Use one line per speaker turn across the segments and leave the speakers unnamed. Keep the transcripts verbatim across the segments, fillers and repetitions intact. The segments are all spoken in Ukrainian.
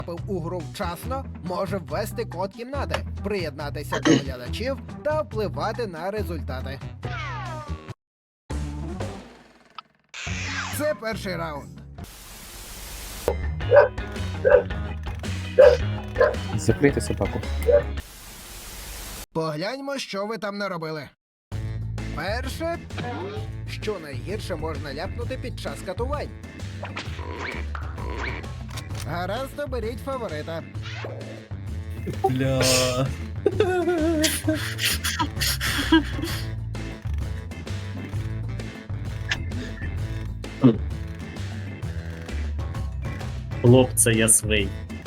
у гру вчасно, може ввести код кімнати, приєднатися до глядачів та впливати на результати. Це перший раунд.
Закрийте собаку.
Погляньмо, що ви там наробили. Перше, що найгірше можна ляпнути під час катувань. Гаразд, оберіть фаворита.
Бля.
Хлопце, я свий.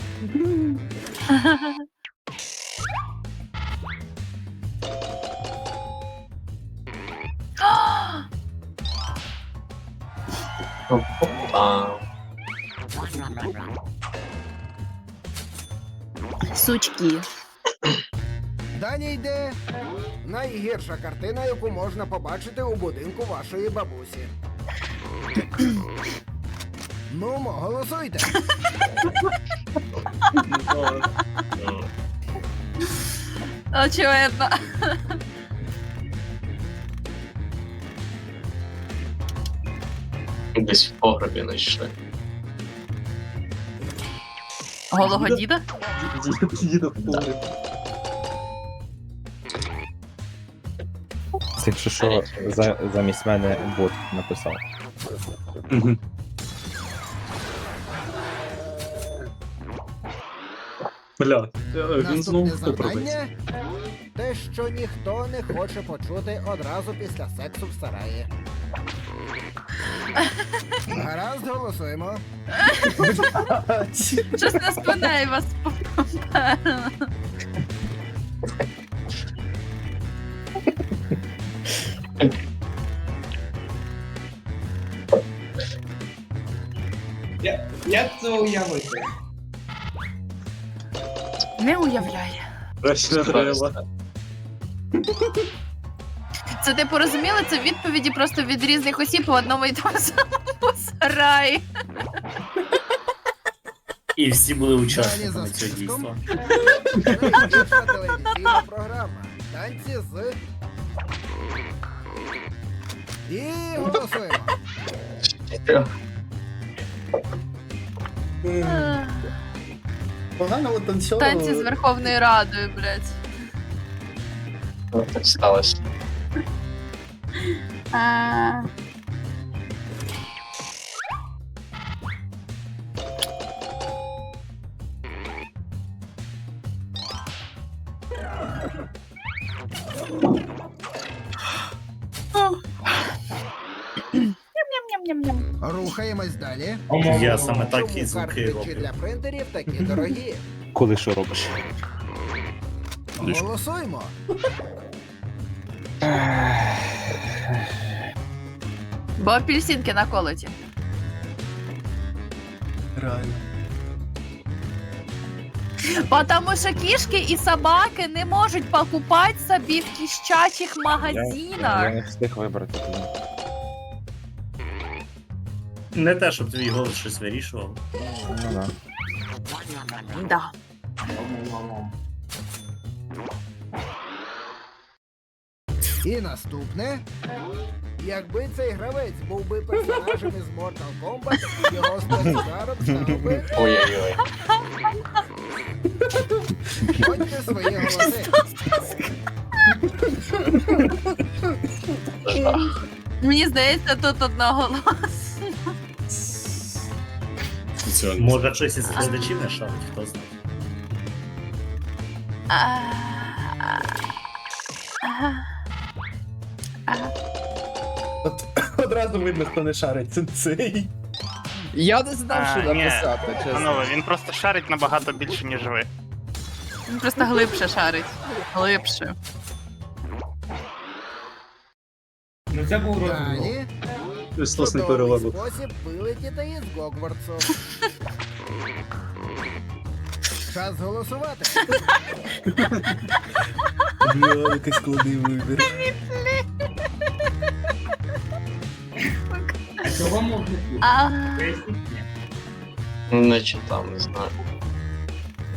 Сучки.
Далі йде найгірша картина, яку можна побачити у будинку вашої бабусі. Ну, мо, голосуйте.
Очевидно.
Десь в погребі знайшли.
Голого діда?
Діда в погреб. Це якщо що, за, замість мене бот написав.
Бля, він знову
Наступне
хто пробиться.
завдання – те, що ніхто не хоче почути одразу після сексу в сараї. Гаразд, голосуємо.
Щось не спинай вас попереду.
Я, як це уявити?
Не уявляє.
Краще не треба.
Це ти порозуміли? Це відповіді просто від різних осіб у одному і тому самому сараї.
І всі були
Далі
учасниками
за
цього
списком.
дійства.
Найбільша телевізійна програма. Танці з... І голосуємо.
Погано танцювали.
Танці з Верховною Радою, блядь.
Ну, так сталося.
А... Ням-ням-ням-ням.
Рухаємось далі.
Я саме так і
Чому
звуки
картриджі
роблю.
для принтерів такі дорогі?
Коли що робиш?
Голосуємо.
Бо апельсинки на колоті.
Реально.
Потому що кішки і собаки не можуть покупати собі в кіщачих
Я,
магазинах.
я не встиг вибрати.
Не те, щоб твій голос щось вирішував.
Ну да.
Да.
І наступне. Якби цей гравець був би персонажем із Mortal Kombat, його спецударом став би...
Ой-ой-ой.
Ходьте свої голоси.
Жах.
Мені здається, тут одного
Може, хтось із глядачів не шарить, хто знає.
От, одразу видно, хто не шарить. Це цей.
Я не знав, що
А, ні.
написати, чесно.
Панове, він просто шарить набагато більше, ніж ви.
Він просто глибше шарить. Глибше.
Ну це був розмов.
Далі.
Христос не
Чудовий
переладив.
спосіб вилетіти із Гогвартсу. Час голосувати.
Бля, який складний вибір.
А чого можна тут?
А,
Не читав, не знаю.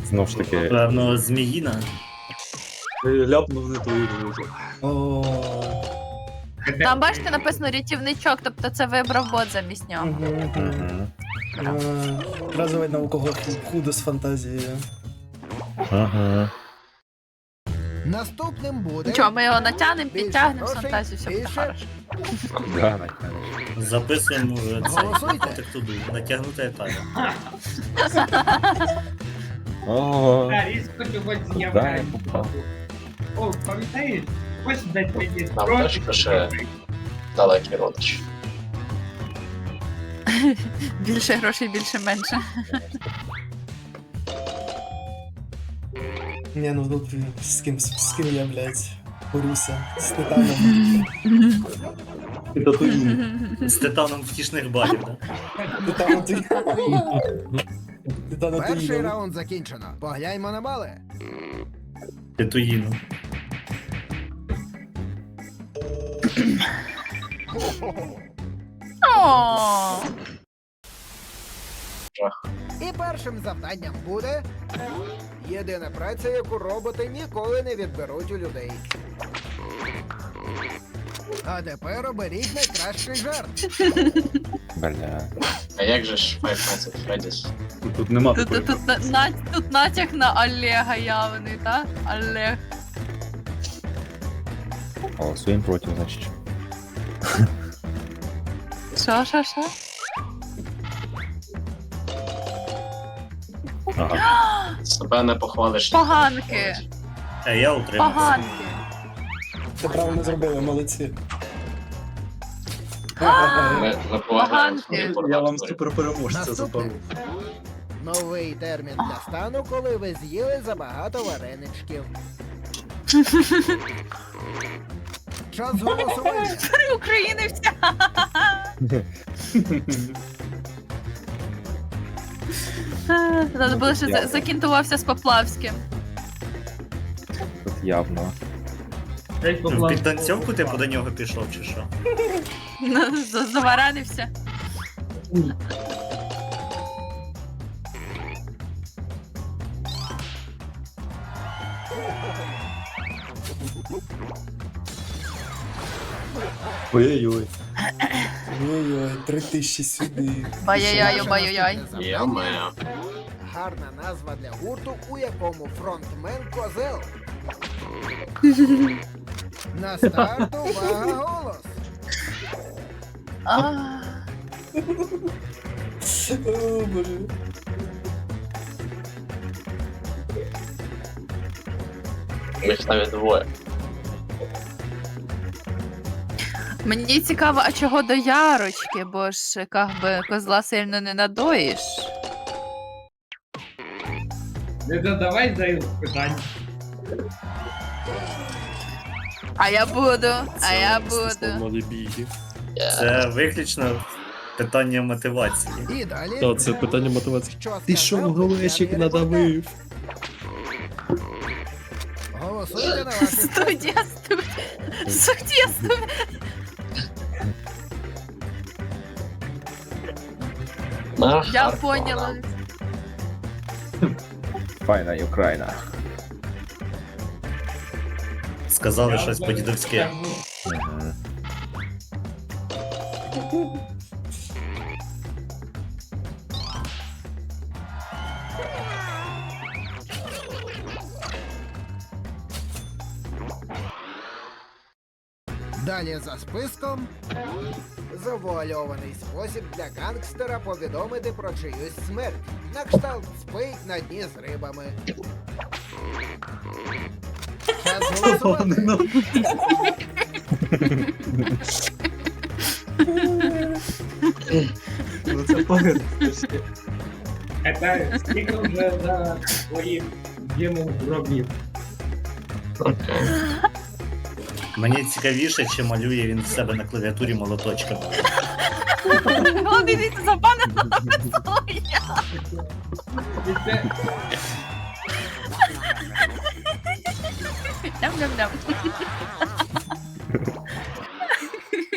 Знов ж таки,
Певно, зміїна.
Ляпнув не твою друзі. О.
Там бачите, написано рятівничок, тобто це вибрав бот замість нього.
Мгм.
Одразу видно, у кого худо з фантазією.
Ага.
Наступним буде.
Нічого, ми його натягнемо,
Більше
підтягнемо з
грошей,
фантазію, все буде
більше.
хорошо.
Да, Наталя.
Записуємо вже
Голосуйте.
цей туди, натягнути етап.
О,
А, різко чогось
да, я
з'являється.
попав.
О, пам'ятаєш? Ось дать мені
Нам
трошки.
теж пише далекий родич.
Більше грошей, більше менше.
Ні, ну тут з ким, з ким я, блядь, борюся. З Титаном.
З титаном втішних балів, так?
Титаном ти. Титаном ти
Перший
їдав.
раунд закінчено. Погляньмо на бали.
Титуїну.
О,
І першим завданням буде єдина праця, яку роботи ніколи не відберуть у людей. А тепер оберіть найкращий жарт.
Бля.
А як же ж Five Nights at Freddy's?
Тут нема
тут, тут, тут, на- на- тут натяк на Олега явний, так? Олег.
Голосуємо проти, значить.
Що, що, що?
Ага.
Себе не похвалиш.
Поганки.
А я утримався.
Поганки.
Це правильно зробили, молодці.
Ми, ми поважаємо
Поганки.
свою
Я вам
пору.
суперпереможця
Наступний. Новий термін для стану, коли ви з'їли забагато вареничків. Час голосування.
Три України вся. Треба було ще за- закінтувався з Поплавським.
Тут явно.
Ну, в підтанцьовку ти до нього пішов, чи що?
Ну, за- Заваранився.
Ой-ой-ой. Ой-ой, три тисячі сюди.
Бай-яй-яй, бай-яй-яй.
Наступне
Я
завдання.
маю.
Гарна назва для гурту, у якому фронтмен козел. На старт, увага, голос.
А,
О, боже.
Їх навіть двоє.
Мені цікаво, а чого до Ярочки, бо ж как би козла сильно не надоїш.
Не задавай зайвих питань.
А я буду, а я буду.
Це виключно питання мотивації.
І далі.
Та, це питання мотивації.
Що
Ти що,
сказав,
голечик
я не
надавив?
Голосуйте на ваших
Студія, студія, студія, студія.
На
Я
Харкова.
поняла.
Файна Україна.
Сказали щось по-дідовськи.
Мгм.
Далі за списком. Завуальований спосіб для гангстера повідомити про чиюсь смерть. На кшталт спить на дні з рибами. Час голосувати.
Ну це погано.
Це скільки вже за своїм дімом гробів.
Окей.
Мені цікавіше, чи малює він в себе на клавіатурі молоточками.
Головне, дивіться, за пана Солов'я.
І це
Ням-ням-ням.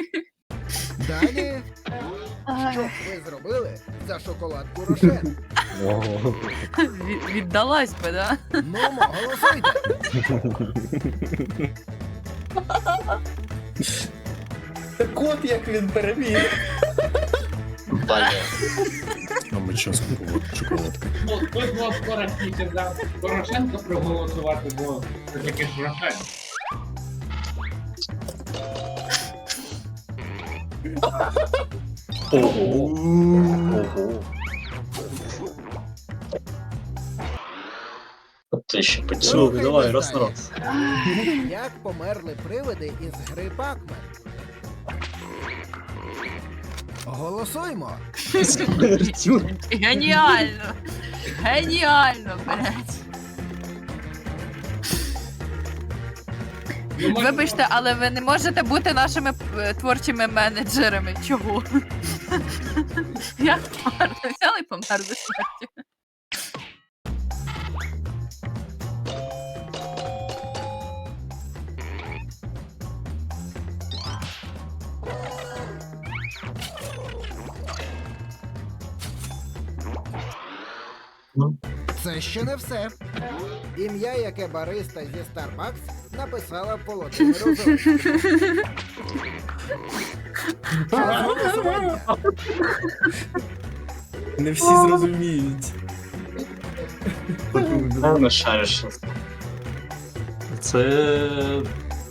Далі. Що б ви зробили за шоколадку Рошен?
Ого.
Від- Віддалась би, да?
Ну, голосуйте.
Так от як він переміг.
Блін.
А ми час купувати шоколадки.
Ну, хто з вас скоротніше за Порошенко проголосувати, бо це таки ж Порошенко.
Ого.
Ти ще почув.
Слухай, давай, раз на раз. Як померли привиди із гри Пакмен? Голосуймо.
Геніально! Геніально, блядь.
Ну, може,
Вибачте, але ви не можете бути нашими е, творчими менеджерами. Чого? Як померли? Взяли і померли смертю.
Це ще не все. Ім'я, яке бариста зі Starbucks написала Володимиру Зеленському. Час голосування.
Не всі зрозуміють.
Не шариш.
Це...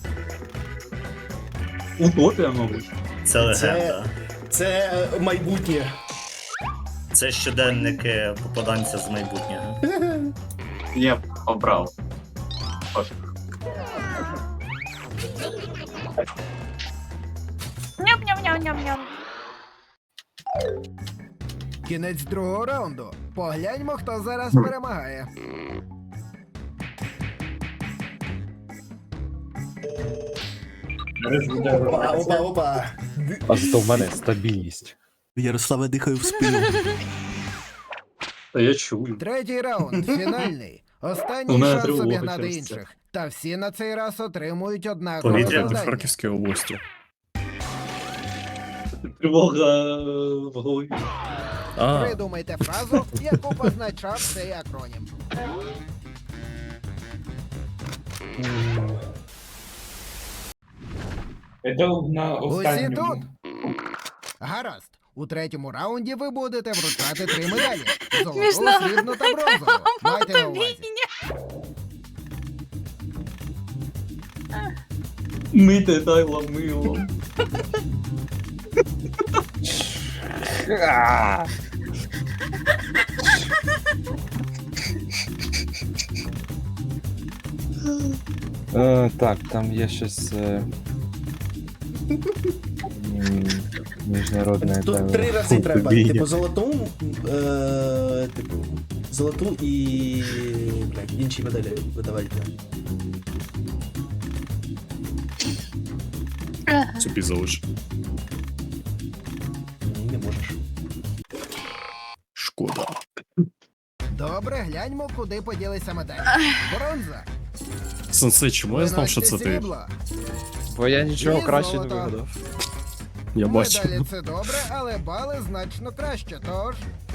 Утопія, мабуть.
Це легенда.
Це е, майбутнє.
Це щоденники попаданця з майбутнього.
Я б обрав. Пофіг.
Ням-ням-ням-ням-ням.
Кінець другого раунду. Погляньмо, хто зараз перемагає.
Опа, опа, опа.
А зато в мене стабільність.
Ярослава дихає в спину.
Та я чую.
Третій раунд, фінальний.
У
Останній
мене
шанс
тривога
обігнати
через це.
інших. Та всі на цей раз отримують однакове
Повітря
завдання.
Харківській області. Тривога в голові. А,
Придумайте фразу, яку позначав цей акронім.
Це на
Усі тут?
останньому.
Гаразд. У третьому раунді ви будете вручати три медалі. Золоту,
Смішно.
срібну та бронзову. Майте на увазі.
мити дайло мило.
Е, так, там є щось. Е... м, Міжнародне.
Тут
там,
три рази
фу,
треба.
бій.
Типу золоту, е, типу, золоту і блядь, інші медалі видавайте.
Собі залиш.
Ні, не можеш.
Шкода.
Добре, гляньмо, куди поділися медалі. Бронза.
Сенсей, чому я знав, що це
Виносьте
ти?
срібло.
Бо я нічого
І
краще не
золото.
вигадав.
Я бачу.
Медалі це добре, але бали значно краще, тож...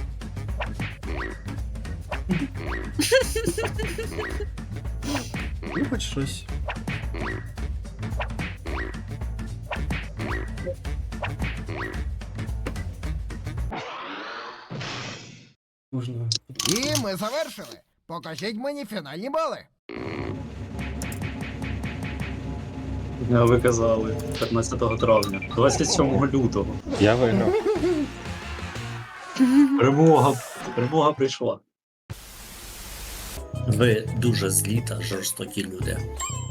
Ну, хоч щось. Можна.
І ми завершили. Покажіть мені фінальні бали.
Я ви казали. п'ятнадцятого травня. двадцять сьомого лютого.
Я виграв.
Перемога. Перемога прийшла.
Ви дуже злі та жорстокі люди.